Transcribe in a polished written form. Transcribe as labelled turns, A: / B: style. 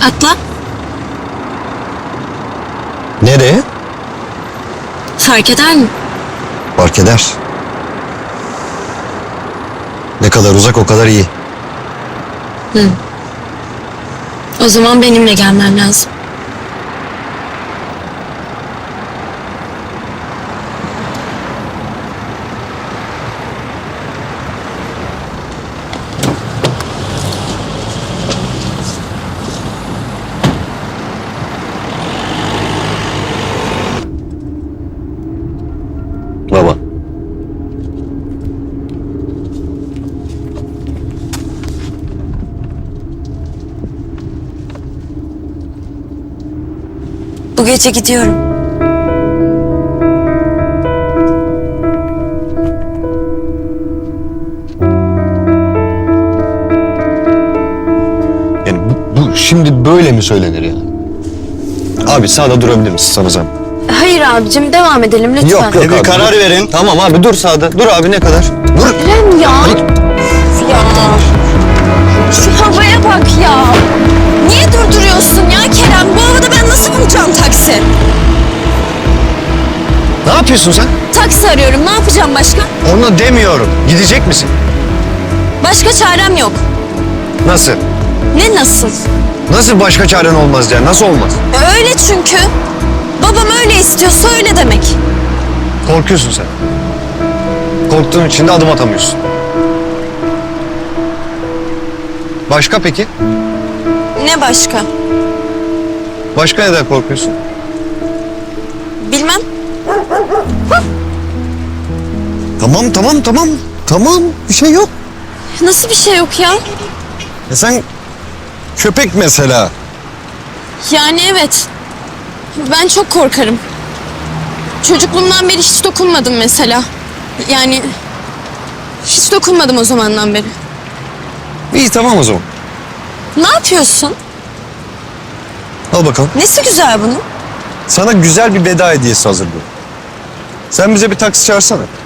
A: Atla.
B: Nereye?
A: Fark eder mi?
B: Fark eder. Ne kadar uzak o kadar iyi.
A: O zaman benimle gelmen lazım.
B: Baba.
A: Bu gece gidiyorum.
B: Yani bu şimdi böyle mi söylenir yani? Abi sağda durabilir misin sana zahmet?
A: Hayır abicim, devam edelim lütfen.
B: Yok
C: Bir
B: abi,
C: karar
B: dur.
C: verin.
B: Tamam abi dur sağda. Dur abi ne kadar? Dur.
A: Kerem ya.
B: Hayır.
A: Ya. Şu havaya bak ya. Niye durduruyorsun ya Kerem? Bu havada ben nasıl bulacağım taksi?
B: Ne yapıyorsun sen?
A: Taksi arıyorum. Ne yapacağım başka?
B: Onu demiyorum. Gidecek misin?
A: Başka çarem yok.
B: Nasıl?
A: Ne nasıl?
B: Nasıl başka çaren olmaz yani? Nasıl olmaz?
A: Öyle çünkü. Babam öyle istiyorsa öyle demek.
B: Korkuyorsun sen. Korktuğun için de adım atamıyorsun. Başka peki?
A: Ne başka?
B: Başka neden korkuyorsun?
A: Bilmem.
B: Tamam. Bir şey yok.
A: Nasıl bir şey yok ya?
B: Sen köpek mesela.
A: Yani evet. Ben çok korkarım. Çocukluğumdan beri hiç dokunmadım mesela. Yani hiç dokunmadım o zamandan beri.
B: İyi tamam o zaman.
A: Ne yapıyorsun?
B: Al bakalım.
A: Nesi güzel bunun?
B: Sana güzel bir veda hediyesi hazırlıyorum. Sen bize bir taksi çağırsana.